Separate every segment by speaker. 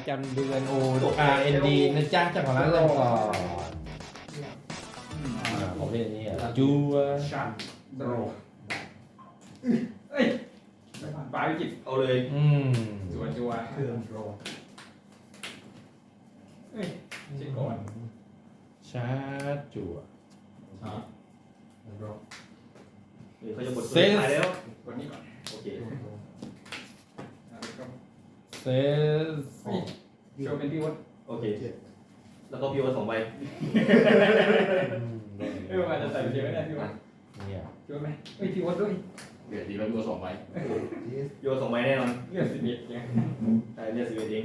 Speaker 1: จำเดือนโอRND นะจ๊ะเจ้าของร้านเริ่มก่อนผมเล่นนี่จู
Speaker 2: ชัดโดรเอ้ยปลายวิจิตเอาเลยจัว
Speaker 3: เครื่องโร
Speaker 2: เอ้ยเช็คก่อน
Speaker 1: ชาร์จจั่ว
Speaker 3: โร
Speaker 4: เขาจะหมดตัวท้ายแล้ว
Speaker 2: กดนี้ก่อน
Speaker 4: โอเค
Speaker 1: เซส
Speaker 2: โชว์เป็นพี่วด
Speaker 4: โอเคแล้วก็พี่วัน2 ใบ
Speaker 2: อาจจะใส่เดียวไม่ได้พี่วด
Speaker 1: เนี่ย
Speaker 2: โชว์ไหมเอ้ยพี่วดด้วย
Speaker 5: เดี๋ยวดีแล้วพี่ว่า2 ใบ
Speaker 4: พี่วัน2 ใบแน่นอน
Speaker 2: เลือด11เนี่ย
Speaker 4: ได้เรียก11เอง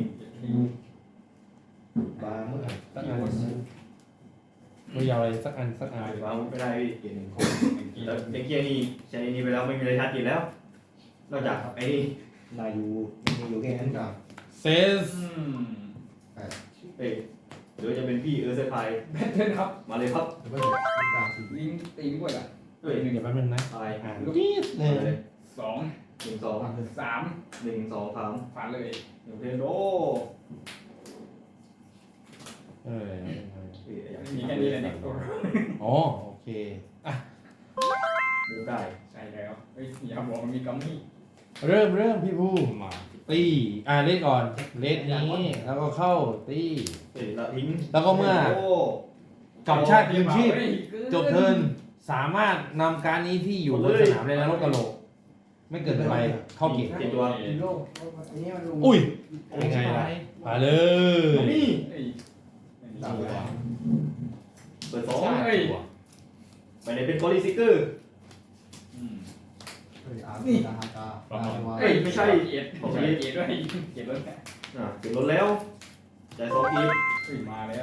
Speaker 3: บางเมื่อไหร่
Speaker 1: สักอันไม่ยาวอะไรสักอันสักอัน
Speaker 4: วางไม่ได้พี่เกียร์1คนแล้วเด็กเกียร์นี่ใช้นี่ไปแล้วไม่มีอะไรชัดอีกแล้วนอกจากไอ้นี่
Speaker 3: นายอยู่แค่นั้นกับ
Speaker 1: เซส
Speaker 4: เอ้ยเดี๋ยวจะเป็นพี่เซอร์ไพรส์
Speaker 2: แบทเทิลครับ
Speaker 4: มาเลยครับ
Speaker 3: แล้วก็กลางสี
Speaker 2: ลิงตีด้วยอ่ะ
Speaker 4: เฮ้ย
Speaker 1: เดี๋ยวแป๊บนึงนะ
Speaker 4: อะไร
Speaker 1: อ่าน
Speaker 2: ลูก
Speaker 1: จี๊ดเล
Speaker 4: เลย ย
Speaker 2: 2
Speaker 4: 1 2
Speaker 2: 3
Speaker 4: 1 2 3
Speaker 2: ฝันเลย
Speaker 4: 1เทนโด
Speaker 2: มีแค่นี้เลยเนี่ย
Speaker 1: อ๋อโอเคอ่ะ
Speaker 4: มูได้
Speaker 2: ใช่แล้วเฮ้ยอย่าบอกมันมีกัมมี่
Speaker 1: เริ่มพี่ผู้
Speaker 5: มา
Speaker 1: ตีเล่นก่อนเล่นนี้แล้วก็เข้าตี
Speaker 4: เฮ้ยละทิ้ง
Speaker 1: แล้วก็เมื่อ
Speaker 4: โอ้
Speaker 1: กับชาติยืนชีพจบเทิร์นสามารถนำการนี้ที่อยู่บนสนามเลยนะรถกระโหลกไม่เกิดไปเข้าเกียร์
Speaker 4: เจ็ดตัว
Speaker 3: โลกอันนี้มัน
Speaker 1: อุ้ยยังไงล่ะมาเลย
Speaker 4: นี่
Speaker 2: เฮ้ย
Speaker 5: ตามตัว
Speaker 4: เปิด 2
Speaker 2: เฮ้ย
Speaker 4: ไปไหนเป็นกอริซิกเกอร์
Speaker 3: อาร์ตาฮากา
Speaker 4: เอ้ยไม่ใช่
Speaker 2: เกียร์ผมเกียร์ด้วยเกียร์รถ
Speaker 4: เก็บรถแล้วจ่าย2 อีก
Speaker 2: เฮ้ยมาแล้ว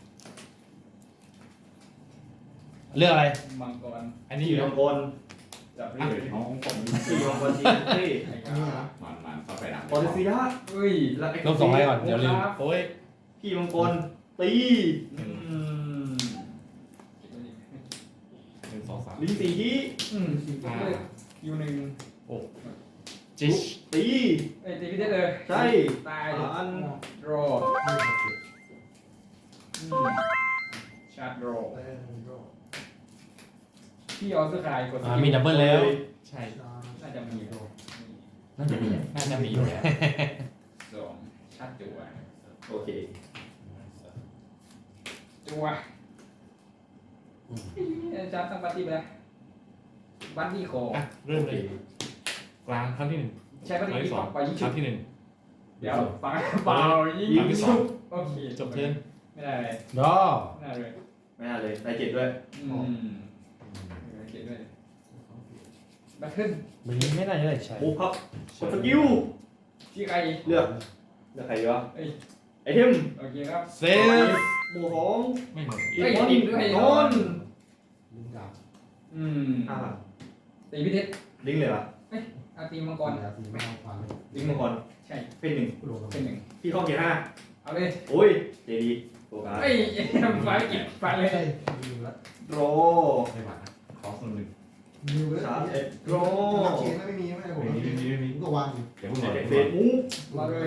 Speaker 1: เลือกอะไร
Speaker 2: มังกร
Speaker 5: อันนี้
Speaker 4: ที่
Speaker 5: อยู่
Speaker 4: มังกร
Speaker 2: จับ
Speaker 5: อ่ะ
Speaker 2: เรื่อย
Speaker 5: น้องผม
Speaker 4: ที่มังกรจีนที่
Speaker 2: ไอ้
Speaker 3: อันนี้นะ
Speaker 5: มันเข้าไปดัง
Speaker 4: ปอลิซิยะ
Speaker 2: เฮ้ย
Speaker 4: และ
Speaker 1: ลบ2 ไลน์ก่อนเดี๋ยวลืมโอ้ย
Speaker 4: พี่มังกรตี
Speaker 5: 1 2 3
Speaker 4: ลิ้นสีที่
Speaker 2: คิวหนึ่ง
Speaker 5: จิช
Speaker 4: ตี
Speaker 2: ไอ้ตีพี่เด็ดเลย
Speaker 4: ใช่
Speaker 2: ตาย
Speaker 4: อัน
Speaker 2: รอชาร์จรอพี่ออสคายกด
Speaker 1: มีดับเบิลแล้ว
Speaker 5: ใช่
Speaker 2: น่าจะมี
Speaker 1: น่าจะมี
Speaker 5: น่าจะมีอยู่แล้ว
Speaker 2: 2ชาร์จจัว
Speaker 4: โอเค
Speaker 2: จัวชาร์จตั้งปาร์ตี้ไปแล้วบัตตี้คอ
Speaker 5: อ่ะเริ่มเลยกลางครั้งที่1
Speaker 2: ใช้ปาร์ตี้ที่
Speaker 5: สอง
Speaker 2: ไปยิง
Speaker 5: ค
Speaker 2: ชุ
Speaker 5: รั้
Speaker 2: บ
Speaker 5: งที่
Speaker 2: เดี๋ยวฟังเปล่ายิง
Speaker 5: ครั้งที่
Speaker 2: ชุบโอเค
Speaker 5: 1จบเทิร์น
Speaker 2: ไม่ได้เลย
Speaker 1: รอ
Speaker 2: ไม่ได้เลย
Speaker 4: ไม่น่าเลยได้7ด้วย
Speaker 2: เขียนด้วยแบทเทิล
Speaker 1: มันนี้ไม่ได้เลยใช่
Speaker 4: มูฟครับกดสกิล
Speaker 2: ที่ใคร
Speaker 4: เลือกใครดีวะไอเทม
Speaker 2: โอเคครับ
Speaker 1: เซส
Speaker 4: หมู่ของ
Speaker 5: ไม่เหมือน
Speaker 4: อีกคนนอน
Speaker 3: ลิงกับ
Speaker 2: ตีพิเทศ
Speaker 4: ลิงเลยเหรอ
Speaker 2: อาตีมังกร
Speaker 3: สีไม่เอาฟันเลย
Speaker 4: ลิงมังกร
Speaker 2: ใช่
Speaker 4: เป็น1
Speaker 3: กูโดน
Speaker 2: เป็นหนึ่ง
Speaker 4: พี่เข้าเกียร์
Speaker 2: เอาเลย
Speaker 4: 5โอ้ยเจดีโฟกัส
Speaker 2: เอ้ยไฟเก็บไฟเลย
Speaker 3: ใช่ยิงแล้ว
Speaker 4: โร
Speaker 5: ไม่หวานนะขอส่วนหนึ่ง
Speaker 3: ยิงเลย
Speaker 4: โร
Speaker 3: นักเชียร์ไม่มีไม่ผม
Speaker 5: ไม่มี
Speaker 3: ก็วางอยู่
Speaker 5: เดี๋ยวมึงหน่อย
Speaker 4: เฟซมูฟ
Speaker 2: มาเลย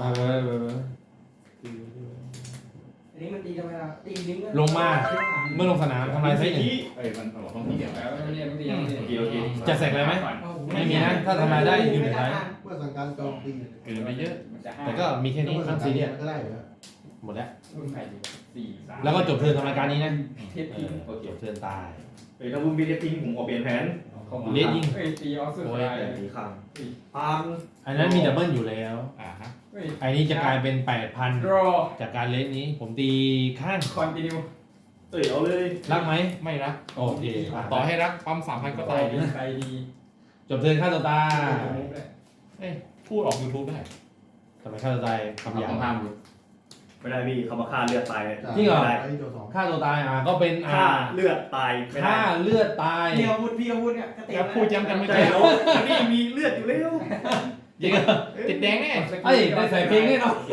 Speaker 3: อันนี้มันตีกันไหมล่ะตีลิง
Speaker 1: ลงมาเมื่อลงสนามทำลายไซส์หนึ่ง
Speaker 5: เอ้ยมันบอกต้องที่เดียว
Speaker 2: แล้วไม่เนี่ยไม่ตีไม่ตี
Speaker 4: โอเค
Speaker 1: จะแสกอะไรไหมไม่มีนะถ้าทำลายได้อยู่ในท้าย
Speaker 3: เมื่อสั่งการโจมตี
Speaker 5: เกินไปเยอะ
Speaker 2: มันจะ5
Speaker 1: แต่ก็มีแค่นี้ข้ามซีเรียส
Speaker 3: ก็ได้เหรอ
Speaker 1: หมดแล้ว
Speaker 2: รุ่นใครดี4 3
Speaker 1: แล้วก็จบเทิร์นทำรายการนี้นะ
Speaker 2: เทปทิ้ง
Speaker 4: โอเค
Speaker 1: จบเทิร์นตาย
Speaker 4: ถ้าบุ้มบีเททิ้งผมขอเปลี่ยนแผน
Speaker 2: เข้ามา
Speaker 1: เลสยิง
Speaker 2: เอ้ยตีออสเตรเลีย
Speaker 4: แต่ตีข้างพาน
Speaker 1: อันนั้นมีดับเบิลอยู่แล้ว
Speaker 5: ฮะ
Speaker 2: เฮ้ย
Speaker 1: อันนี้จะกลายเป็น
Speaker 2: ร
Speaker 1: 8,000
Speaker 2: อ
Speaker 1: จากการเลสนี้ ผมตีข้าง
Speaker 2: คอนติเนีย
Speaker 4: เอาเลย
Speaker 1: รักไหม
Speaker 5: ไม่รัก
Speaker 1: โอเค
Speaker 5: ต่อให้รักปั๊ม3,000ก็ตายดิ
Speaker 2: ใจดี
Speaker 1: จบเทิร์นฆ่าตัวตาย
Speaker 5: พูดออก YouTube ได้
Speaker 1: ทำไมฆ่าตัวตายคำหยา
Speaker 5: ต้อง
Speaker 1: บ
Speaker 5: ห้ามดู
Speaker 4: ไม่ได้พี่เขามาฆ่าเลือดตาย
Speaker 1: จริงเหรอ
Speaker 3: ไอ้โจสอง
Speaker 1: ฆ่าตัวตายก็เป็น
Speaker 4: ฆ่าเลือดตายไม่ได้
Speaker 1: ฆ่าเลือดตาย
Speaker 3: พี่อาวุธเนี่ยก็เตะ
Speaker 5: แล้วพูดย้ำกันไม่
Speaker 4: ใช่
Speaker 5: ได้
Speaker 4: แล้วอันนี้มีเลือดอยู่แล้ว
Speaker 1: จริงเหรอ
Speaker 5: ติดแดงแน่
Speaker 1: เอ้ยได้ใส่เพลงแน่นอน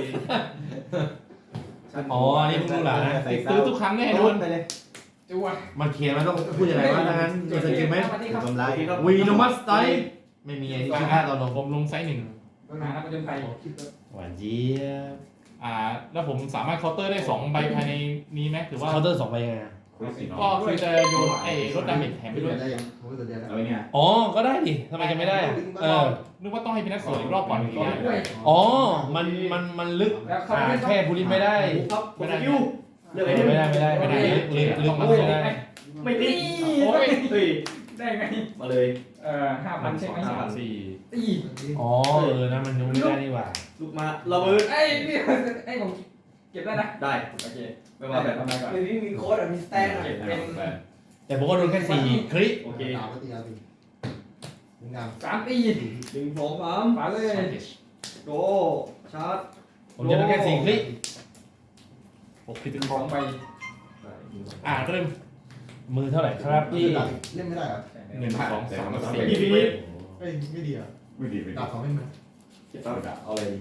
Speaker 1: อ๋ออันนี้เพิ่งรู้เหรอนะ
Speaker 5: ติดซื้อทุกครั้งแน่โดน
Speaker 3: ไปเลย
Speaker 2: จัว
Speaker 1: มันเขียนมันต้องพูดยังไงวะถ้างั้นมีสกิลไหม
Speaker 3: ทำร้าย
Speaker 1: วีโนมัสไตไม่มีไอ้ที่ชื่อฆ่าตอนลง
Speaker 5: ผมลงไซส์
Speaker 2: หานักประจนภัย
Speaker 3: คิดว่า
Speaker 1: หวานเจี๊ยบ
Speaker 5: แล้วผมสามารถเคาน์เตอร์ได้2 ใบภายในนี้ไหมถือว่า
Speaker 1: เคาน์เตอร์2 ใบยังไงอะ
Speaker 5: ก็คือจะโยนลดดาเมจแถมไปด้วย
Speaker 3: ได้ยังผมก็ตัวเดียวแล้ว
Speaker 2: เอาไว้เนี่ย
Speaker 1: อ๋อก็ได้ดิทำไมจะไม่ได้อะ
Speaker 5: นึกว่าต้องให้พี่นัทสวนอีกรอบก่อนถึงจะได้
Speaker 1: อ๋อมันลึกแค่ผู้ลิมไม่ได้
Speaker 4: ครับกดสกิลเลือกไอ้
Speaker 1: ไม่
Speaker 4: นี่
Speaker 1: ได้ลึกไม่ได้
Speaker 4: ไม่ติด
Speaker 5: โอ้ย
Speaker 4: เฮ้ย
Speaker 2: ได้ไง
Speaker 4: มาเลย
Speaker 2: 5,000ใช่ไหม
Speaker 5: 3 4
Speaker 2: ตี
Speaker 1: อ๋อนะมันดูไม่ได้นี่หว่า
Speaker 4: ลุกมาระเบิด
Speaker 2: ไอ้พี่ไอ้ผมเก็บได้นะ
Speaker 4: ได้
Speaker 2: โอเค
Speaker 4: ไม่ว่าแบบ
Speaker 2: ทำไมก่อน
Speaker 3: ไม่มีโค้ดมีสแตน
Speaker 2: เก็บเป็น
Speaker 1: แต่ผมก็โดนแค่4 คลิก
Speaker 4: โอเค
Speaker 3: ตามปฏิญาณมีงาม
Speaker 2: 3 ตี
Speaker 4: 1 2 3
Speaker 2: มาเลย
Speaker 4: โดชาร์จ
Speaker 1: ผมจะโดนแค่4 คลิก
Speaker 5: 6 ที่ถึง
Speaker 2: 2 ใบ
Speaker 5: เริ่ม
Speaker 1: มือเท่าไหร่ครับพี่
Speaker 3: เล่นไม่ได้เหรอ
Speaker 5: 1 2 3 4
Speaker 4: พี่พี่นี่
Speaker 3: เอ้ยไม่ดีอ่ะ
Speaker 2: ไม่ดีไม่
Speaker 3: ดา
Speaker 2: ดี
Speaker 3: บเขาไม่เหมือน
Speaker 2: เก็บเอาเลย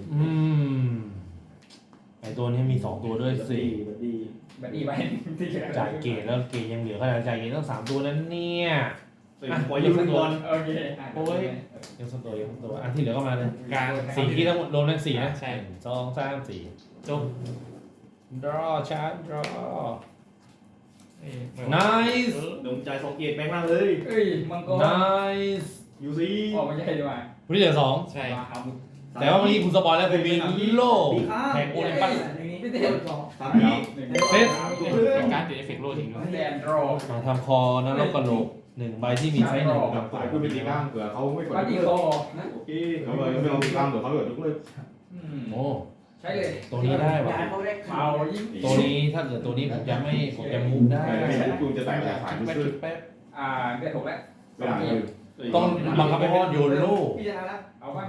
Speaker 1: ไอตัวนี้มี2 ตัวด้วยสิ
Speaker 4: บัดดี้
Speaker 2: แบบนี้ไปที่เหลือ
Speaker 1: จ่ายเกตแล้วเกตยังเหลือขนาดจ่ายเกตต้อง3 ตัวนั้นเนี่ย
Speaker 4: ปล่อยยิงฟุตบอล
Speaker 2: โอเค
Speaker 1: ยังสตัวอันที่เหลือก็มาเลย
Speaker 5: กลาง
Speaker 1: 4 ที่ทั้งหมดรวมทั้ง4นะ
Speaker 5: ใช่
Speaker 1: 2 3 4
Speaker 5: จบ
Speaker 1: draw chart draw
Speaker 5: เอ้ย
Speaker 1: nice
Speaker 4: ดวงใจ2 เกตแบงค์ล่างเลย
Speaker 2: เอ้ยมังกร
Speaker 1: nice
Speaker 4: ยูซี
Speaker 2: ออกมาใช่ดีกว่า
Speaker 1: วันนี้เหลือ
Speaker 5: ใช่
Speaker 2: มาครับ
Speaker 1: 2แต่ว่าเมื่อกี้คุณสปอยแล้วคุณมีโล่แห่งโอลิมปัส
Speaker 2: ไม่ได้
Speaker 4: 3พี่
Speaker 1: เซต
Speaker 5: เป็นการติดเอฟเฟกต์โลทิ้งด้วย
Speaker 2: แดนรอ
Speaker 1: มาทำคอนรกกระโหลก1 ใบที่มีไซส์ 1
Speaker 2: ครับ
Speaker 6: ฝ่ายผู้เป็นตีกล้ามเผื่อเขาไม่กด
Speaker 2: บัดดี้คอนะ
Speaker 4: โอเค
Speaker 6: เขาไม่ลองตีกล้ามเผื่อเขาเกิดยกเลิก
Speaker 1: โอ้
Speaker 2: ใช่เลย
Speaker 1: ตัวนี้ได้ว่ะ
Speaker 2: เมายิ่ง
Speaker 1: ตัวนี้ถ้าเกิดตัวนี้ผมจะมูฟได้
Speaker 6: กูจะแต่งแต่ฝ่าย
Speaker 5: แป๊บ
Speaker 6: ซื้อ
Speaker 5: แป๊บ
Speaker 2: ได้ถูกแล้ว
Speaker 6: เวลาคือ
Speaker 1: ต้องบังคับให้พ่อโยนโล่
Speaker 3: พี่ชนะแล้ว
Speaker 2: เอาบ้าง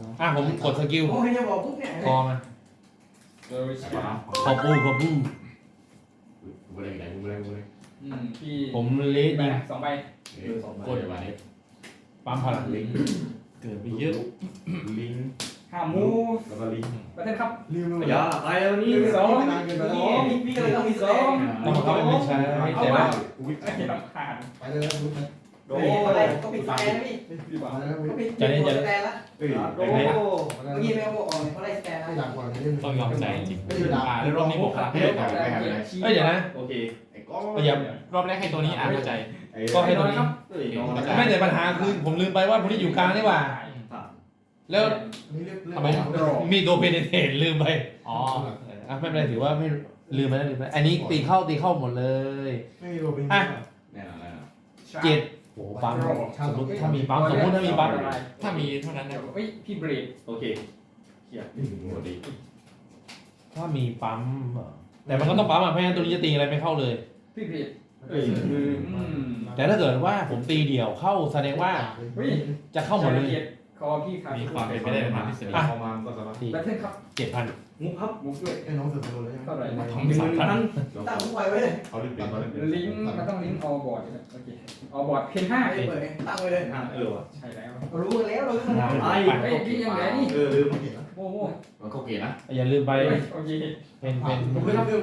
Speaker 1: ผมกดสกิล
Speaker 3: โอ้ยจะบอกปุ๊บเนี่ย
Speaker 1: คอมา
Speaker 2: โดย
Speaker 1: ขอบู
Speaker 6: กูไม่ได้ไหนกูไม่ได้กูไม่ได้
Speaker 2: พี่
Speaker 1: ผมเลสยิง
Speaker 2: 2 ใบ
Speaker 6: กดอย่าไป
Speaker 1: ปั๊มพลัง
Speaker 6: ลิง
Speaker 5: เกิดไปเยอะ
Speaker 6: ลิง
Speaker 2: 5 มูฟ
Speaker 6: แล้วก็ลิง
Speaker 2: ประเทศครับ
Speaker 3: ลืมไป
Speaker 4: อย่าตายแล้วนี่
Speaker 3: พี่ก็เลยต้องมีสอง
Speaker 1: ต้องบังคับให้ไม่ใช้แต่ว่า
Speaker 2: ไม่ต้องผ่าน
Speaker 3: ไปเลยลุกนะ
Speaker 4: โด
Speaker 3: อะไรก็ปิดสแตนนะพี่
Speaker 2: ดีกว่า
Speaker 3: มาแล้วก็ปิด
Speaker 1: จะเล่น
Speaker 3: สแตนละ
Speaker 6: เฮ้ย
Speaker 4: โด
Speaker 3: เมื่อกี้ไม่เอาบอกออกเขาไล่สแตนนะไม่ดังกว่านี้
Speaker 5: ต้องยอมใจจริงแล้วรอบนี้บวกพลังให้ด้วยกัน
Speaker 1: เอ้ยเดี๋ยวนะ
Speaker 4: โอเค
Speaker 6: ไอ้ก้อน
Speaker 1: อย่าร
Speaker 5: อบแรกให้ตัวนี้เข้าใจ
Speaker 1: ก็ให้ตัวนี้
Speaker 4: เอ้ย
Speaker 1: ไม่แต่ปัญหาคือผมลืมไปว่าพวกนี้อยู่กลางนี่หว่า แล้ว
Speaker 3: นี่เรียก
Speaker 1: ทำไมมีตัวเพนเทนลืมไป
Speaker 5: อ๋อ
Speaker 1: ไม่เป็นไรถือว่าไม่ลืมไปแล้วอันนี้ตีเข้าหมดเลย
Speaker 3: ไม่มีโรบิน
Speaker 6: แน่นอนแน่นอน
Speaker 1: 7โอ้ปั๊มสมมติถ้ามีปั๊ม
Speaker 5: ถ้ามีเท่านั้นนะ
Speaker 2: เฮ้ยพี่เบรด
Speaker 4: โอเค
Speaker 6: หัวดี
Speaker 1: ถ้ามีปั๊มแต่มันก็ต้องปั๊มไม่งั้นตัวนี้จะตีอะไรไม่เข้าเลย
Speaker 2: พี่เบรด
Speaker 4: เอ้ย
Speaker 1: แต่ถ้าเกิดว่าผมตีเดี่ยวเข้าแสดงว่าจะเข้าหมดเลย
Speaker 2: คอพี่ครับ
Speaker 5: มีความเป็นไปได้มากที่สุด
Speaker 6: พอมาก็สามารถ
Speaker 2: ประเทศครับ
Speaker 1: 7,000
Speaker 4: มุกครับ
Speaker 2: มุกด้วย
Speaker 3: ไอ้น้องเสือโดนเลย
Speaker 2: เท่าไหร่
Speaker 5: ทำสามพัน
Speaker 3: ตั้งทุกไว้ไว้เลย
Speaker 6: เขาเล่นเป็นเขาเล่นเป็น
Speaker 2: ลิงก์มันต้องลิงก์ออบอร์ดโอเคออบอร์ดเพน5
Speaker 3: ไม่เปิดตั้งไว้เลย
Speaker 4: ว่ะ
Speaker 2: ใช่แล้ว
Speaker 3: รู้แล้วเรา
Speaker 4: ไอ้
Speaker 2: เฮ้ยพี่ยังไงนี่
Speaker 4: ลืม
Speaker 2: โอ้โห
Speaker 6: มันเขาเกตนะ
Speaker 1: อย่าลืมไป
Speaker 2: โอเค
Speaker 1: เป็น
Speaker 3: ผมไม่รับเรื่องเลย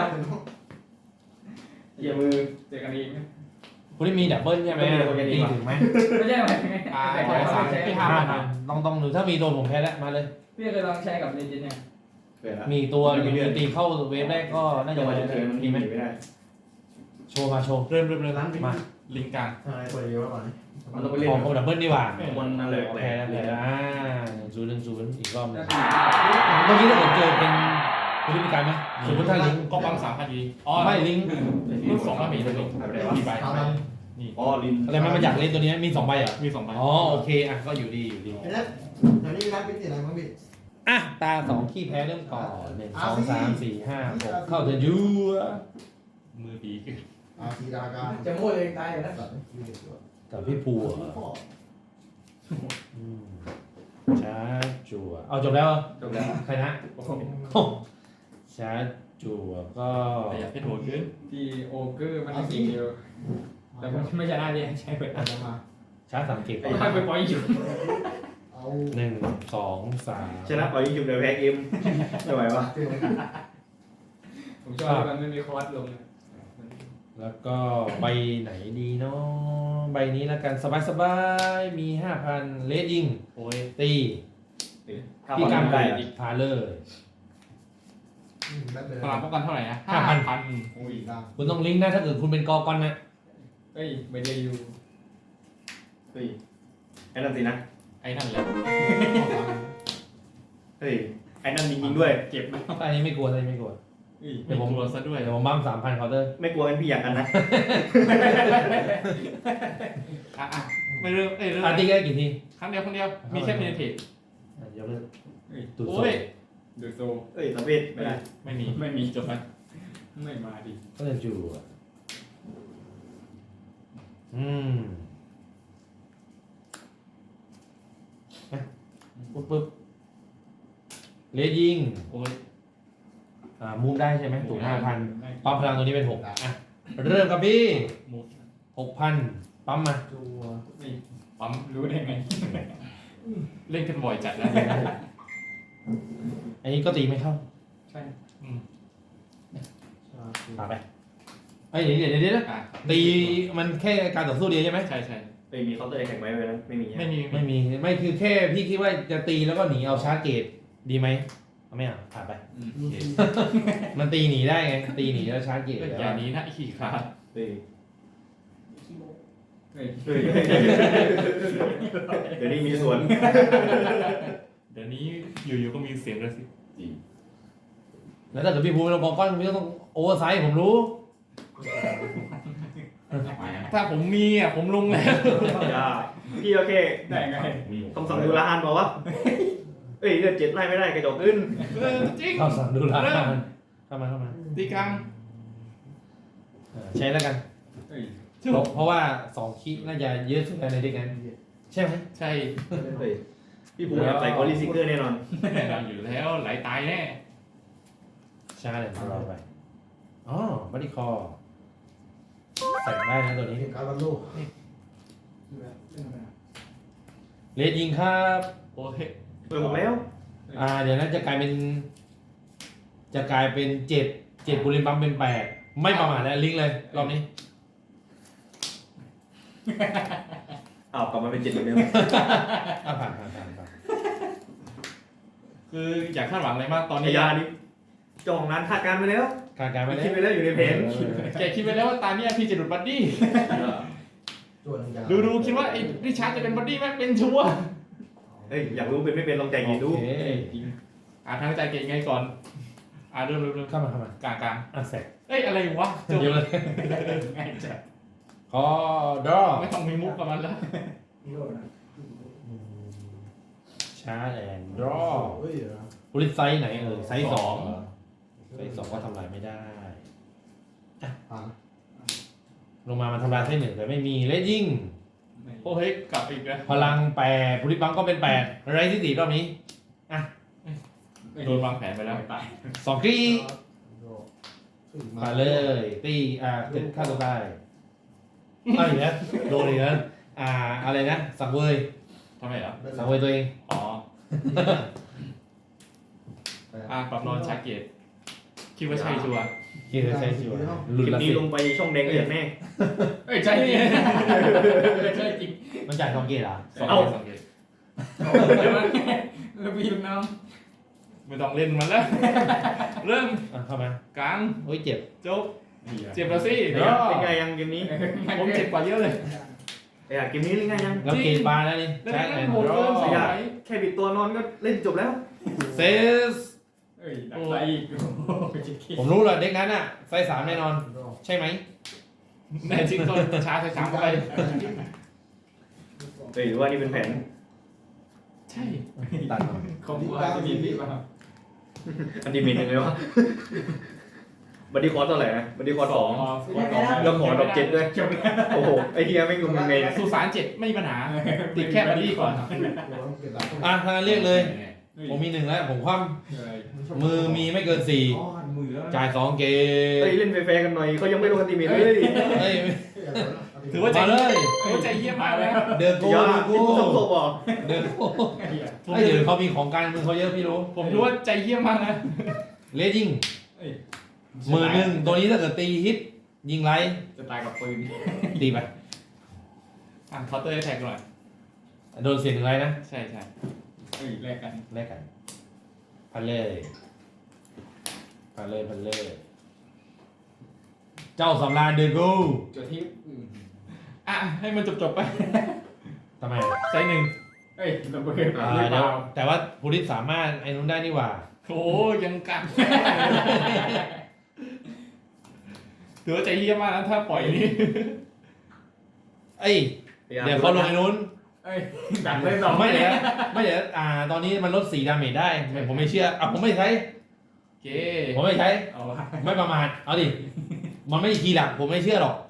Speaker 2: เกี่ยวมือเจอกันอีก
Speaker 1: คุณที่มีดับเบิลใช่ไหมตีถึงไหม
Speaker 2: ไม่ใช่ไหม
Speaker 5: ที่
Speaker 1: 5,000ต้องดูถ้ามีตัวผมแพ้แล้วมาเลย
Speaker 2: พี่เคยลองใช้กับเลนจินเนี่ย
Speaker 1: มีตัวตีเข้าเวฟแรกก็น่าจะ
Speaker 4: จะมาจะเชิญมัน
Speaker 1: มีไหม
Speaker 4: ไม่ได้
Speaker 1: โชว์มาโชว์
Speaker 5: เริ่มร้านมา ลิงกลาง
Speaker 3: อะไรเปิดเยอะกว่านี้
Speaker 4: มันต้องไปเล่น
Speaker 1: ของดับเบิลดีกว่า
Speaker 4: มันนั่นแหละ
Speaker 1: แพ้แล้ว1-0อีกรอบนึงเมื่อกี้ถ้าผมเจอเป็นคุณที่มีการไหมสมมติถ้าลิง
Speaker 5: ก็ปั๊ม3,000ดีอ๋อ
Speaker 1: ไม่ลิง
Speaker 5: รุ่น2แล้วมีตัวนี้มีใบ
Speaker 4: อ๋อลิน
Speaker 1: อะไรมันจากเล่นตัวนี้มี2ใบเหรอ
Speaker 5: มี2ใบ
Speaker 1: อ๋อโอเคก็อยู่ดี
Speaker 3: ไอ้นั่นแถวนี้มีร้านเป็นอะไรบ้างพี่
Speaker 1: ตา2ขี้แพ้เริ่มก่อน1 2 3 4 5 6เข้าเธอยู
Speaker 5: มือดีขึ้น
Speaker 3: ทีดากาจะโม่เลยตายอยู่นะ
Speaker 1: กับพี่ปูช้าจั่วเอาจบแล้ว
Speaker 4: จบแล้ว
Speaker 1: ใครนะช้าจั่วก็
Speaker 5: แต่อยากให้โหดขึ้น
Speaker 2: ที่โอเกอร์มันสีเดียวแต่มันไม่ชนะดิใช่ไหม
Speaker 3: มา
Speaker 1: ช้า3เก็บ
Speaker 2: ไม่ไปปล่อยอยู่
Speaker 3: เอา
Speaker 1: 1 2 3
Speaker 4: ชนะปล่อยยิงจุดเดียวแพ้เกมไม่ไหววะ
Speaker 2: ผมชอบมันไม่มีคอร์สลง
Speaker 1: แล้วก็ใบไหนดีเนาะใบนี้แล้วกันสบายๆมี 5,000เลสยิง
Speaker 5: โอ้ย
Speaker 1: ตี
Speaker 4: ถ้า
Speaker 1: พี่
Speaker 4: บอล
Speaker 1: กาง
Speaker 4: ได้
Speaker 1: ไก่พาเลย
Speaker 3: แบทเลย
Speaker 5: พลังป้องกันเท่าไหร่นะ
Speaker 3: โอ้ยดัง
Speaker 1: คุณต้องลิงก์นะถ้าเกิดคุณเป็นกอกอนนะ
Speaker 2: เอ้ยไม่ได้อยู่
Speaker 4: เฮ้ยไอ้นั่นสินะ
Speaker 5: ไอ้นั่นแหละ
Speaker 4: เฮ้ยไอ้นั่นจริงๆด้วย
Speaker 2: เก็บไหม
Speaker 1: อันนี้ไม่กลัวอันนี้ไม่กลัว
Speaker 2: เอ้ย
Speaker 5: ไม่กลัวซะด้วย
Speaker 1: เดี๋ยวผมบั้ม3,000เคาน์เตอร์
Speaker 4: ไม่กลัวกันพี่อยากกันนะ
Speaker 5: อ่ะไม่เรื่องเรื่อง
Speaker 1: อาร์ตี้ได้กี่ที
Speaker 5: ครั้งเดียวมีแค่เพนเทต
Speaker 1: เดี๋ยวเลิก
Speaker 2: เอ้ย
Speaker 1: ตูดโซ่
Speaker 5: โอ้ย
Speaker 2: ดูโซ
Speaker 4: เฮ้ยสำเร็จไม่ได้
Speaker 5: ไม่มีจบไหม
Speaker 2: ไม่มาดิ
Speaker 1: ก็จะจูอ่ะปุ๊บเลสยิง
Speaker 5: โอ้ย
Speaker 1: มูฟได้ใช่ไหมถูก5,000ปั๊มพลังตัวนี้เป็น6อ่ะเริ่มครับพี่
Speaker 5: มู
Speaker 1: 6,000ปั๊มมา
Speaker 3: จัว
Speaker 2: ปั๊มรู้ได้ไง
Speaker 5: เล่นกันบ่อยจัดแล้ว
Speaker 1: อันนี้ก็ตีไม่เข้า
Speaker 2: ใช่
Speaker 1: ปาไปเอ้ยเดี๋ยวนะ
Speaker 5: อ่ะ
Speaker 1: ตีมันแค่การต่อสู้เดียวใช่ไหม
Speaker 5: ใช่
Speaker 4: เฮ้ยมีเคาน์เตอร์แข่งไว้ไหมนะไม่มี
Speaker 5: ไม่มี
Speaker 1: ไม่คือแค่พี่คิดว่าจะตีแล้วก็หนีเอาชาร์จเกตดีไหมเอาไม่เอาผ่านไป มันตีหนีได้ไงตีหนีแล้วชาร์จเกต
Speaker 5: อย่างนี้นะขี่ขา
Speaker 4: เฮ้ย
Speaker 2: เฮ้ย
Speaker 4: เฮ้ยเดี๋ยวนี้มีส่วน
Speaker 5: เดี๋ยวนี้อยู่ๆก็มีเสียงกระซิบ
Speaker 1: แล้วถ้าเกิดพี่ภูมิเป็นกองก้อนพี่ก็ต้องโอเวอร์ไซส์ผมรู้
Speaker 5: ถ้าผมมีอ่ะผมลงแล้ว
Speaker 4: อย่าพี่โอเค
Speaker 2: ได้ไง
Speaker 4: คำสั่งดูแลฮันบอกว่าเอ้ยเลือด7ไล่ไม่ได้กระจกขึ้น
Speaker 5: จริง
Speaker 1: เข้าสั่งดูแลเข้ามา
Speaker 5: ตีกลาง
Speaker 1: ใช้แล้วกัน
Speaker 2: เฮ้ย
Speaker 1: เพราะว่า2คิน่าจะเยอะสุดในเด็กนั้นใช่ไหม
Speaker 5: ใช่
Speaker 4: เฮ้ยพี่ภูมิอยากใส่คอรีซิเกอร์แน่นอน
Speaker 5: แน่นอนอยู่แล้วไหลตายแน่
Speaker 1: ใช่เลยเราไปอ๋อบัดดี้คอใส่ได้นะตัวนี้
Speaker 3: การบรรลุ
Speaker 1: เลดยิงครับ
Speaker 5: โอ้ย
Speaker 4: เปิดหมดแล้ว
Speaker 1: เดี๋ยวนั้นจะกลายเป็น7บุริมบัมเป็น8ไม่ประมาทแล้วลิงก์เลยรอบนี้
Speaker 4: อ้าวกลับมาเป็น7เหมือนเดิม
Speaker 1: ผ่าน
Speaker 5: คืออยากคาดหวังอะไรมากตอน
Speaker 4: พ
Speaker 5: นี้
Speaker 4: ยานี้จองนั้นคาดการณ์ไปแล้ว
Speaker 1: การไป
Speaker 4: คิดไปแล้วอยู่ในแผน
Speaker 5: แกคิดไปแล้วว่าตาเนี้ยพี่จะหลุดบัดดี้
Speaker 3: จัวหนึ่งอย่าง
Speaker 5: ดูคิดว่าไอ้ริชาร์ดจะเป็นบัดดี้ไหมเป็นชัวร์
Speaker 4: เฮ้ยอยากรู้เป็นไม่เป็นลองใจกินดู
Speaker 1: โอเค
Speaker 5: ทางใจเก่งไงก่อนเริ่ม
Speaker 1: เข้ามาก
Speaker 5: ลาง
Speaker 1: เสร็จ
Speaker 5: เอ้ยอะไรวะจบ
Speaker 1: เดี๋ยวเลย
Speaker 5: ง่ายจัด
Speaker 1: ขอดรอ
Speaker 5: ไม่ต้องมีมุกกับมันแล้ว
Speaker 1: ชาร์จแอนด์ดรอ
Speaker 3: เฮ้ย
Speaker 1: บริษัทไซส์ไหนไซส์2ไซส์2ก็ทำลายไม่ได้
Speaker 3: ผ่าน
Speaker 1: ลงมามันทำลายไซส์1แต่ไม่มีเลดยิง
Speaker 5: โอ้เฮ้ยกลับอีกแล้ว
Speaker 1: พลัง8บริบังก็เป็น8ไรที่4รอบนี้
Speaker 5: โดนวางแผนไปแล้ว
Speaker 2: ตาย
Speaker 1: 2กรีมาเลยตีเป็นค่าตัวได้อีกแล้วโดนอีกแล้วอะไรนะสังเวย
Speaker 5: ทำไมเหรอ
Speaker 1: สังเวยตัวเอง
Speaker 5: อ๋อปรับนอนชาเกตคิดว่าใช่ชัวร์
Speaker 1: คิดว่าใช่ชัวร์
Speaker 4: ค
Speaker 1: ลุ้น
Speaker 4: ลิป
Speaker 1: ละ
Speaker 4: นี้
Speaker 1: สิ
Speaker 4: ลงไปช่องแดงเดือดแน่
Speaker 2: เอ้ยใช่นี่ใช่จริง
Speaker 1: มันจ่าย2เกตเหรอ
Speaker 5: สองเกต
Speaker 2: เดี๋ยวมันแล้วพี่ลูกน้อง
Speaker 5: ไม่ต้องเล่นมันแล้ว เริ่ม
Speaker 1: เข้ามาก
Speaker 5: ลาง
Speaker 1: โอ้ยเจ็บ
Speaker 5: จบเจ็บแล้วสิ
Speaker 4: เป็นไงยังเกมนี้
Speaker 5: ผมเจ็บกว่าเยอะเลย
Speaker 4: เกมนี้เล่นง่ายยัง
Speaker 1: แล้วเกตบาร์แล้วนี่
Speaker 5: แล้ว
Speaker 1: ใช่
Speaker 5: นั่
Speaker 1: แอน
Speaker 5: น
Speaker 1: ด์
Speaker 5: โหด
Speaker 1: ดร
Speaker 5: เกิน
Speaker 1: อ
Speaker 5: สมัย
Speaker 4: แค่บิดตัวนอนก็เล่นจบแล้ว
Speaker 1: เซส
Speaker 2: เอ้ยดักไล่อีกโอ้ยจิ๊กกี้
Speaker 1: ผมรู้เลยเด็กนั้นไซส์3แน่นอน ใช่ไหม
Speaker 5: แน่จริงต้นชาใส่สามเข้าไป
Speaker 4: เฮ้ยหรือว่านี่เป็นแผน
Speaker 5: ใช่
Speaker 1: ตัดมา
Speaker 2: เขาบอกว่าจะมีพี่ป่ะครับ
Speaker 4: อันดีเมนยังไงวะบัดดี้คอร์สเท่าไหร่นะบัดดี้คอร์ส2แล้วขอดอก7ด้วย
Speaker 2: จบแล้ว
Speaker 4: โอ้โหไอ้เฮียไม่งงยังไง
Speaker 5: สุสาน7ไม่มีปัญหาติดแค่บัดดี้ก่อน
Speaker 1: ถ้าเรียกเลย ผมมี1แล้วผมคว่ำมือมีไม่เกิน
Speaker 3: อ๋อมือแล้ว
Speaker 1: 4จ่าย2เก
Speaker 4: เฮ้ย
Speaker 1: ต
Speaker 4: เล่นแฟร์ๆกันหน่อยเขายังไม่ลงอันดีเมนเลย
Speaker 1: เฮ้ย
Speaker 5: ถือว่าใจ
Speaker 1: มาเลย
Speaker 5: ใจเยี่ยมมากเลย
Speaker 1: เดินโก้
Speaker 4: อย่า
Speaker 1: เดิน
Speaker 4: พี่
Speaker 1: โก้
Speaker 4: ผู้ชมโตบอก
Speaker 1: เดินโก้ไอ้เดี๋ยวเขามีของการมือเขาเยอะพี่รู้
Speaker 5: ผมรู้ว่าใจเยี่ยมมากนะ
Speaker 1: เลดยิง10,000ตัวนี้ถ้าเกิดตีฮิตยิงไร
Speaker 2: จะตายกับปืน
Speaker 1: ตีไป
Speaker 5: เคาน์เตอร์แท็กหน่อย
Speaker 1: โดนเสีย1ไรนะ
Speaker 5: ใช่
Speaker 2: เฮ้ยแลกกัน
Speaker 1: แลกกันพันเลยพันเลย เจ้าสำราญเดกู
Speaker 2: จุดที่
Speaker 5: อ่ะให้มันจบไป
Speaker 1: ทำไม
Speaker 5: ใช้หนึ่ง
Speaker 2: เอ้ยระเบิด
Speaker 1: เดี๋ยวแต่ว่าภูริศสามารถไอ้นู้นได้นี่หว่า
Speaker 5: โอ้ยังกันถือว่าใจเยี่ยมมากนะถ้าปล่อยนี้
Speaker 1: เอ้ยเดี๋ยวเขาลงไอ้นู้น
Speaker 2: เอ้ยดักได้สอง
Speaker 1: ไม่เดี๋ยวตอนนี้มันลด4 ดาเมจได้ผมไม่เชื่อผมไม่ใช้
Speaker 5: โอเค
Speaker 1: ผมไม่ใช้
Speaker 2: เอาวะ
Speaker 1: ไม่ประมาทเอาดิมันไม่คีย์หลักผมไม่เชื่อหรอก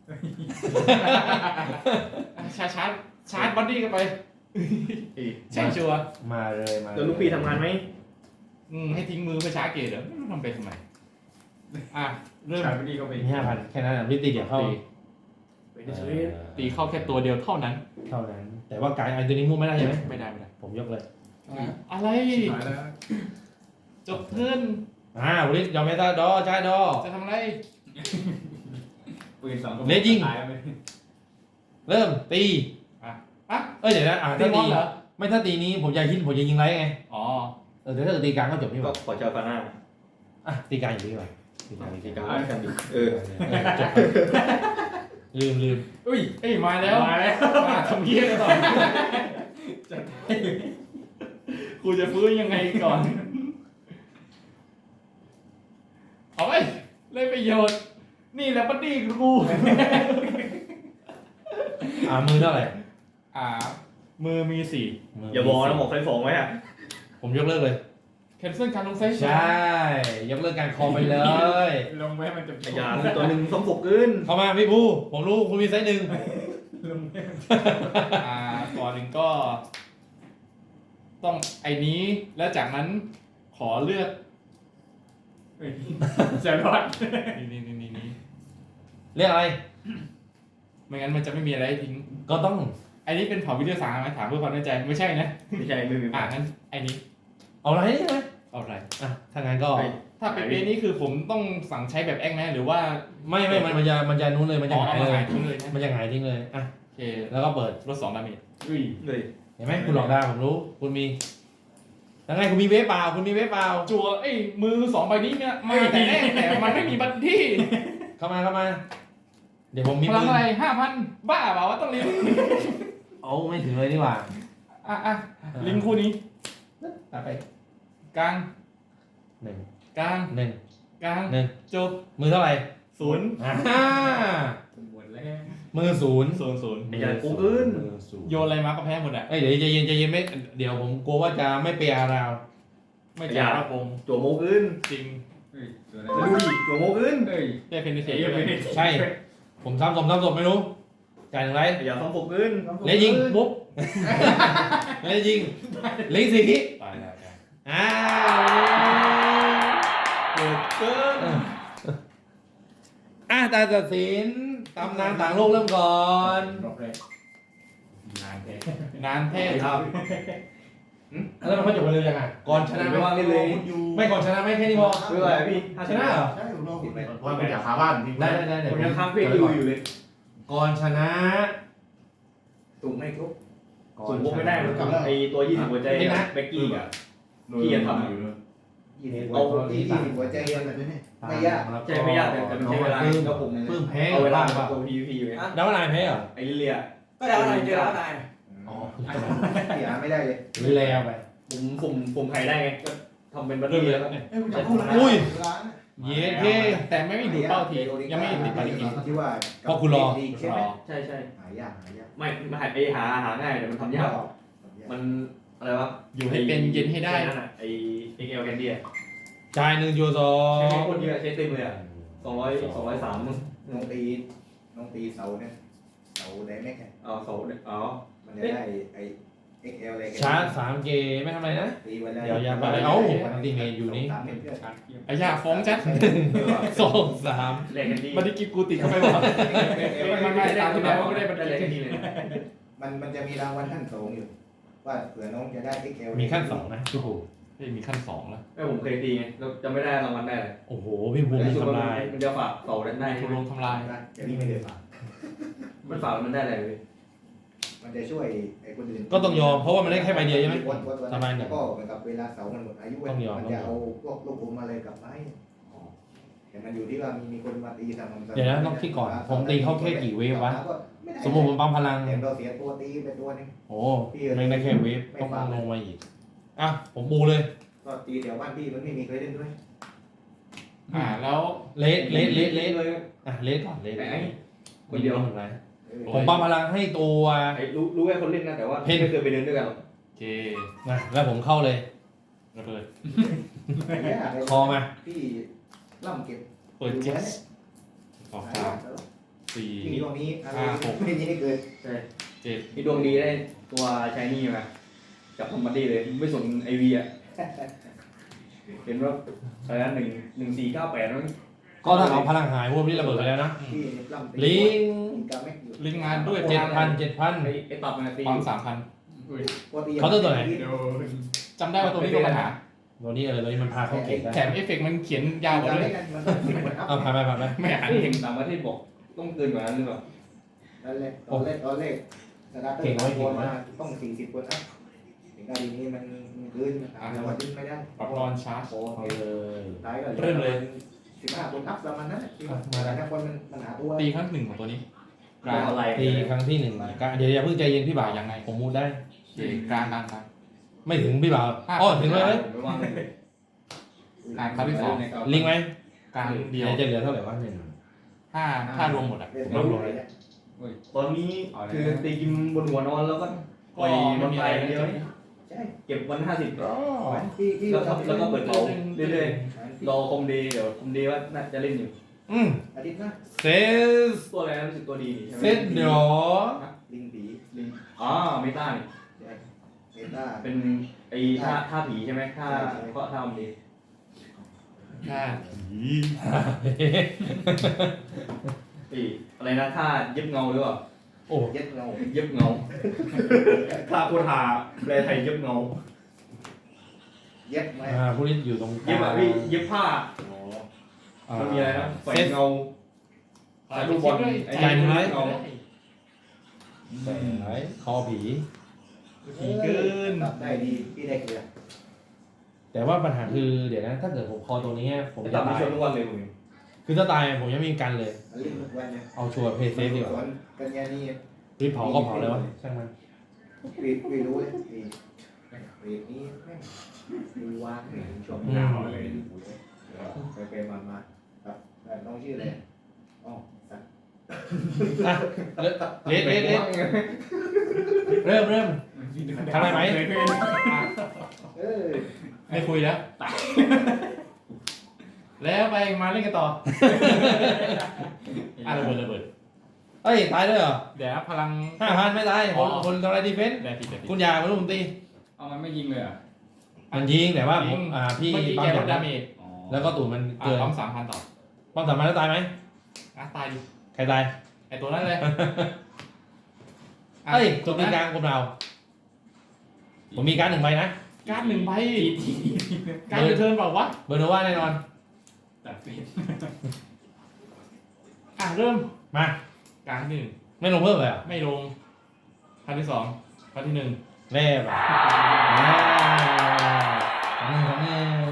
Speaker 5: ชาร์จบอดี้กันไปใช่ชัวร์
Speaker 1: มาเลย
Speaker 4: แล้วลูกพี่ทำงานไหม
Speaker 5: ให้ทิ้งมือไปชาร์จเกตเหรอทำไปทำไมอ่ะเริ่ม
Speaker 2: ชายไปนี่ก็ไป
Speaker 1: มี5,000แค่นั้นพี่ตีเดี๋ยวเข้า
Speaker 5: ตีเข้าแค่ตัวเดียวเท่านั้น
Speaker 1: เท่านั้น แต่ว่าการไอ้ตัวนี้มุ่งไม่ได้ใช่ไหม
Speaker 5: ไม่ได้
Speaker 1: ผมยกเลย
Speaker 5: อะไร
Speaker 2: หายแล้ว
Speaker 5: จบเทิร์น
Speaker 1: ภูริศยอมไม่ได้ดอใช่ดอ
Speaker 5: จะทำอะไร
Speaker 2: ปืนสองกระ
Speaker 1: เลสยิง
Speaker 2: ตายแล้วไหม
Speaker 1: เริ่มตี
Speaker 5: อ่ะ
Speaker 1: เดี๋ยวนะ
Speaker 5: ตี
Speaker 1: ถ้า
Speaker 5: บอ
Speaker 1: ตี
Speaker 5: ลเหรอ
Speaker 1: ไม่ถ้าตีนี้ผมจะยิงไรไง
Speaker 5: อ๋อ
Speaker 1: เดี๋ยวถ้าเกิดตีกลางก็จบนี่ห
Speaker 4: ก็
Speaker 1: ว่า
Speaker 4: ขอเจ้าฟาน่า
Speaker 1: ตีกลางอย่างนี้ดีกว่าตีกลาง
Speaker 4: ที่กลางกันดิ
Speaker 1: จบลืม
Speaker 5: อุ้ยเอ้ยมาแล้ว
Speaker 2: มาแล้ว
Speaker 5: มาทำเยี่ยกันต่อกูจะฟื้นยังไงก่อนเอาไปเล่นประโยชน์นี่แหละบัดดี้กู
Speaker 1: มือเท่าไหร่
Speaker 5: มือมีสี่
Speaker 4: อย่าบอกนะหมอกไฟฟองไว้อะ
Speaker 1: ผมยกเลิกเลย
Speaker 5: แคนเซิลการลงเซส
Speaker 1: ใช่ยกเลิกการคอมไปเลย
Speaker 2: ลงไปให้มันจบ
Speaker 4: ไอ้ยาตัวหนึ่งสมบุกขึ้น
Speaker 1: เข้ามาพี่ภูผมรู้คุณมีไซส์หนึ่ง
Speaker 2: ลงไป
Speaker 5: ก่อนหนึ่งก็ ต้องไอ้นี้แล้วจากนั้นขอเลือก
Speaker 2: เฮ้ยจะรอด
Speaker 5: นี่
Speaker 1: เรียกอะไร
Speaker 5: ไม่งั้นมันจะไม่มีอะไรให้ทิ้ง
Speaker 1: ก็ต้อง
Speaker 5: ไอ้นี้เป็นเผาวิทยาศาสตร์ไหมถามเพื่อความแน่ใจไม่ใช่นะ
Speaker 4: ไม่ใช่ไม่มี
Speaker 5: งั้นไอ้นี้
Speaker 1: เอาอะไรใช่ไหม
Speaker 5: เอาอะไร
Speaker 1: ถ้างั้นก็
Speaker 5: ถ้าเป็นเปนี้คือผมต้องสั่งใช้แบบแอกไหมหรือว่า
Speaker 1: ไม่มันจะนู้นเลยมันจะหายเลย
Speaker 5: ทิ้งเลยนะ
Speaker 1: มันจะหายทิ้งเลยโอเคแล้วก็เปิด
Speaker 5: ลด2 ดาเมจ
Speaker 2: อุ้ย
Speaker 4: เลย
Speaker 1: เห็นไหมคุณหลอกได้ผมรู้คุณมียังไงคุณมีเวฟเปล่าคุณมีเวฟเปล่า
Speaker 5: จัวมือ2 ใบนี้เนี่ยมาแต่มันไม่มีบัตรที่
Speaker 1: เข้ามาเดี๋ยวผมมี
Speaker 5: พลังอะไร 5,000 บ้าเปล่าวะต้องลิง
Speaker 1: เอาไม่ถึงเลยนี่หว่า
Speaker 5: ลิงคู่นี้
Speaker 1: ตัดไป
Speaker 5: กลาง
Speaker 1: หนึ่ง
Speaker 5: กลาง
Speaker 1: หนึ่ง
Speaker 5: กลาง
Speaker 1: หนึ่ง
Speaker 5: จบ
Speaker 1: มือเท่าไหร่
Speaker 5: 0
Speaker 2: หมดแล้ว
Speaker 1: มือศูนย์
Speaker 5: 0
Speaker 4: ไอ้ยากูขึ้น
Speaker 1: มือศูนย์
Speaker 5: โยนอะไรมาก็แพ้หมดอ่ะ
Speaker 1: เดี๋ยวใจเย็นไม่เดี๋ยวผมกลัวว่าจะไม่เปียราว
Speaker 5: ไม่จ่ายระบง
Speaker 4: จั่วโมขึ้น
Speaker 5: จริง
Speaker 2: เฮ้ยตัวอะไร
Speaker 4: แล้วดูดิจั่วโมขึ้น
Speaker 2: เฮ้ย
Speaker 5: ได้เพนนิเท
Speaker 2: เฮ้ย
Speaker 5: ต
Speaker 2: ไม่ได้
Speaker 1: ใช่ ผมซ้ำศพไม่รู้จ่ายหนึ่งไร
Speaker 4: ไอ้ยาสมบุกขึ้น
Speaker 1: เล่ยิงปุ๊บเล่ยิงลิงสี่ที
Speaker 5: ตาย
Speaker 1: เกิดเกินตาตัดสินตำนานต่างโลกเริ่มก่อน
Speaker 2: รอบแรก
Speaker 5: นานแท้
Speaker 4: ครับ
Speaker 1: แล้วมันจบไปเลยยังไงก่อนชนะ
Speaker 4: ไม่ว่างเลย
Speaker 1: ไม่ก่อนชนะไม่แค่นี้พอ
Speaker 4: เพื่ออะไรพี่
Speaker 1: ชนะเหรอ
Speaker 3: ใช่ผมรอคุณไป
Speaker 6: เพราะว่าเป็นจากคาบ้านที่
Speaker 1: ได้เดี๋
Speaker 4: ผ
Speaker 1: ยว
Speaker 4: มยังค้างเพลงอยู่เลย
Speaker 1: ก่อนชนะ
Speaker 4: ตุ่มไม่ครบตุ่มพวกไม่ได้มันกับไอ้ตัว20หัวใจเบกกี้อ่ะ
Speaker 6: ที่จะทำอยู่
Speaker 3: เอาที่หัวใจเย็นแบบนี้ไม่ยาก
Speaker 4: ใช่ไม่ยากแต่มันใช้เวลาก็ผม
Speaker 1: ปลื้มแพ้
Speaker 4: เอาเวลา
Speaker 1: ป่ะ
Speaker 4: ตัว PVP อยู่ไง
Speaker 1: แล้วนายแพ้เหรอ
Speaker 4: ไอ้ลิเลีย
Speaker 7: ก็ได้อะไรเจอแล้วนาย
Speaker 1: อ๋อ
Speaker 3: เสียไม่ได้เลย
Speaker 1: หรือแล้วไป
Speaker 4: ผมไทยได้ไงก็ทำเป็นบัตเตอร์แล้วก็
Speaker 3: เอ้ยคุณจะพูดแล้ว
Speaker 1: อุ้ย
Speaker 3: ร้าน
Speaker 1: เย้เท่
Speaker 5: แต่ไม่มีดูดเป้าทียังไม่ติดภารกิจ
Speaker 3: ที่ว่า
Speaker 1: เพราะคุณรอ
Speaker 3: ใช่ไหม
Speaker 4: ใช่ใช่
Speaker 3: หายาก
Speaker 4: ไม่มาหาง่ายแต่มันทำยากมันอะไรวะ
Speaker 5: อยู่ให้เป็นเย็นให้ได้
Speaker 4: นั่นน่ะไอ้ XL Candy อ่ะ
Speaker 1: จ่าย1 โยสอ
Speaker 4: ใช้
Speaker 1: ง
Speaker 4: คนเยอะใช้เต็มเลยอ่ะ203มึง
Speaker 3: น้องตีเสาเนี่ยเสาไดแม็กเนี่ย
Speaker 4: เอาเขาอ๋อ
Speaker 3: มันจะได้ไอ้ XL อะไร
Speaker 1: ชาร์จ3 เกไม่ทำอะไรนะ
Speaker 3: ตีไว้แล้ว
Speaker 1: เดี๋ยวอย่าไปเอาอันตีเมย์อยู่นี่
Speaker 3: 3เม็ดเพื่อน
Speaker 5: ไอ้ยาฟ้องจัด
Speaker 1: 2 3
Speaker 4: แลกกันดี
Speaker 5: บัตรกิจกูติดเข้าไปบอกไม่ตามที่แล้วไม่ได้บัตร
Speaker 4: แลก
Speaker 5: กิ
Speaker 4: กัน
Speaker 5: จ
Speaker 4: ดีเลย
Speaker 3: มันจะมีรางวัลขั้นสูงอยู่ ว่าเผื่อน้องจะได้ XL
Speaker 1: มีขั้น2นะพี่ภู
Speaker 5: มีขั้น2แล้ว
Speaker 4: ไม่ผมเคยตีไงแล้วจะไม่ได้รางวัลได้เลย
Speaker 1: โอ้โหพี่ภูมิทำลาย
Speaker 4: มันจะฝากเสาได้
Speaker 5: ถูกลงทำลาย
Speaker 3: เดี๋ยวนี้ไม่ได้ฝาก
Speaker 4: มันฝากมันได้อะไรพี่
Speaker 3: มันจะช่วยไอ้คนอื่น
Speaker 1: ก็ต้องยอมเพราะว่ามันได้แค่ใบเดียวใช่ไหม
Speaker 3: วัด
Speaker 1: สบายหนึ่
Speaker 3: แล้
Speaker 1: ง
Speaker 3: วก็เหมือนกับเวลาเสามันหมดอายุ
Speaker 1: ต้องยอม
Speaker 3: มันจะเอาพวกลูกอมอะไรกลับมาให้แต่มันอยู่ที่ว่ามีคนมาตีสม่ำเสมอ
Speaker 1: เดี๋ยวนะต้องคิดก่อนผมตีเข้าแค่กี่เวฟวะสมมติผมปั๊มพลัง
Speaker 3: แต่เราเสียตัวตีไปตัวนึง
Speaker 1: โอ้แม่งได้แค่เวฟต้องลงมาอีกอ่ะผมบูเลย
Speaker 3: ก็ตีแถวบ้านพี่มันไม่มีใครเล่นด้วย
Speaker 5: แล้ว
Speaker 1: เลส
Speaker 2: เลย
Speaker 1: อ่ะเลสก่อนเลส
Speaker 2: ไอ้คนเดียว
Speaker 1: หนึ่งไรผมปั๊มพลังให้ตัว
Speaker 2: ไอ้รู้แค่คนเล่นนะแต่ว่าไม่เคยไปเดินด้วยกันหรอก
Speaker 5: โอเค
Speaker 1: นะแล้วผมเข้าเลย
Speaker 5: ระเบิด
Speaker 1: คอมา
Speaker 3: พี่ล่ำเก็บ
Speaker 5: เปิดเจ็ดสองสามสี่
Speaker 3: พี่มีตรงนี้อะไร
Speaker 5: 5 6
Speaker 3: ไม่ยิงให้เกิน
Speaker 2: ใช่
Speaker 5: เจ็ด
Speaker 2: มีดวงดีได้ตัวชายนี่มาจับคอมบันดี้เลยไม่สนไอวีอ่ะเห็นว่าอะไรนะ11498นั่น
Speaker 1: ก็ถ้าเอาพลังหายพวกนี้ระเบิดไปแล้วนะ
Speaker 3: พี่ล่ำ
Speaker 1: ลิง
Speaker 3: กับแม็กอยู่
Speaker 5: ลิงก์งานด้วย
Speaker 1: 7,000
Speaker 2: ไอ้ตับมันตี
Speaker 5: ความ3,000
Speaker 1: เขาน์เตอร์ตัวไหน
Speaker 5: จำได้ว่าตัวนี้มีปัญหา
Speaker 1: ตัวนี้ตัวนี้มันพาเข้าเก่งได้
Speaker 5: แถมเอฟเฟกต์มันเขียนยาวกว่าด้วย
Speaker 1: เอาผ่านไป
Speaker 5: ไม่อ่าน
Speaker 2: ที่เห็นต่างประเทศบอกต้องเกินกว่านั้นหรือเปล่า
Speaker 3: ตอนแรกสตาร์เตอร์คนมาต้อง40คนนะถึงการดีนี้มันเกินเราดึงไม่ได้
Speaker 5: ปรับรอนชาร์จ
Speaker 3: โอ้
Speaker 1: เอาเลย
Speaker 3: ท้ายก็15คนอัพประมาณนั้นนะคนมันหาตัว
Speaker 5: ตีครั้งหนึ่งของตัวนี้กลาง
Speaker 2: อะไร
Speaker 1: ตีครั้งที่ 1เดี๋ยวอย่าเพิ่งใจเย็นพี่บ่าว
Speaker 5: ยังไง
Speaker 1: ผมมูดได้
Speaker 5: โอเคกลางกลางกลาง
Speaker 1: ไม่ถึงพี่บ่าวอ๋อถึงเลย
Speaker 2: ไม่ว่างเลย
Speaker 5: ครั้งที่สอง
Speaker 1: ลิงไหม
Speaker 5: กลางเดียว
Speaker 1: จะเหลือเท่าไหร่วะหนึ่ง
Speaker 5: ถ้ารวมหมดอ่ะ
Speaker 2: ตอนนี้คือตีกินบนหัวนอนแล้วก็ปล่อยมันไปเดียวเก็บวัน50แล้วก็เปิดเผาเรื่อยๆรอคอมดีเดี๋ยวคอมดีว่าน่าจะเล่นอยู่
Speaker 3: อาทิตย์หน้า
Speaker 1: เซส
Speaker 2: ตัวอะไรรู้สึกตัวดีใช่ไหม
Speaker 1: เซตเดี๋ยว
Speaker 3: ลิงผี
Speaker 2: ลิงเมตานี่
Speaker 3: เมตา
Speaker 2: เป็นไอ้ท่าผีใช่ไหมท่าก็ท่าคอมดี
Speaker 5: ถ้า
Speaker 2: อะไรนะท่าเย็บเงาหรือเปล่า
Speaker 1: โอ้
Speaker 3: เย็ดเงา
Speaker 2: เย็บเงาท่าโคทาแปลไทยเย็บเงา
Speaker 3: เย็ดไหม
Speaker 1: ผู้นี้อยู่ตรงก
Speaker 2: เย็บ
Speaker 1: ลา
Speaker 2: อะ
Speaker 1: ง
Speaker 2: พี่เย็บผ้ามันมีอะไรนะแฝงเงาถ่ายรูปบอลไอ้
Speaker 1: ใจมึงไหม
Speaker 2: เงา
Speaker 1: ไหนคอผี
Speaker 5: ผีเกิน
Speaker 3: ได้ดีพี่ได้เกลือ
Speaker 1: แต่ว่าปัญหาคือเดี๋ยวนะถ้าเกิดผมคอตรงนี้ผม
Speaker 2: จะ
Speaker 1: จะ
Speaker 2: ตัดไม่
Speaker 1: ตาย
Speaker 2: ชนทุกวันเลยมึง
Speaker 1: คือถ้าตายผมยังไม่มีกันเลย
Speaker 3: เล่นทุกวันเนี่ย
Speaker 1: เอาชัวร์เพย์เซฟดีกว่า
Speaker 3: กันยานี่
Speaker 1: รีบเผาก็เผาเลยวะช่างมัน
Speaker 3: ไม่รู้เลยปีนี้แม่งดูวางช่วงหนาวเลยไปมาครับน้องชื่ออะไรอ๋อสัตว์
Speaker 1: เละเริ่มทำได้ไหม
Speaker 5: ไม่คุยแล้วแล้วไปมาเล่นกันต่อระเบิด
Speaker 1: เอ้ยตายด้วยเหรอ
Speaker 5: เดี๋ยวพลัง
Speaker 1: 5,000ไม่ตายคนทำอะไรดีเฟนส์
Speaker 5: ได้ผิด
Speaker 1: คุณยาไม่รู้ผมตี
Speaker 2: เอามันไม่ยิงเลยอ่ะ
Speaker 1: มันยิงแต่ว่าผมพี่
Speaker 5: เมื่อกี้
Speaker 1: ปั๊
Speaker 5: แก
Speaker 1: ม
Speaker 5: ลดดาเมจ
Speaker 1: แล้วก็ตูดมันเกิน
Speaker 5: ปั๊ม3,000ต่อ
Speaker 1: ปั๊ม3,000แล้วตายไหม
Speaker 5: ตายดิ
Speaker 1: ใครตาย
Speaker 5: ไอตัวนั้นเลย
Speaker 1: เอ้ยตัวตีกลางคนเราผมมีการ1ใบนะ
Speaker 5: การ์ด1 ใบการ์ดเทิร์นเปล่าวะ
Speaker 1: เบอร์โนวาแน่นอน
Speaker 2: ตัดเป็น
Speaker 5: เริ่ม
Speaker 1: มา
Speaker 5: การ์ดที่
Speaker 1: ไม่ลงเพิ่มเลยอ่ะ
Speaker 5: 1ไม่ลงครั้งที่2ครั้งที่1
Speaker 1: แร่แบบของมือ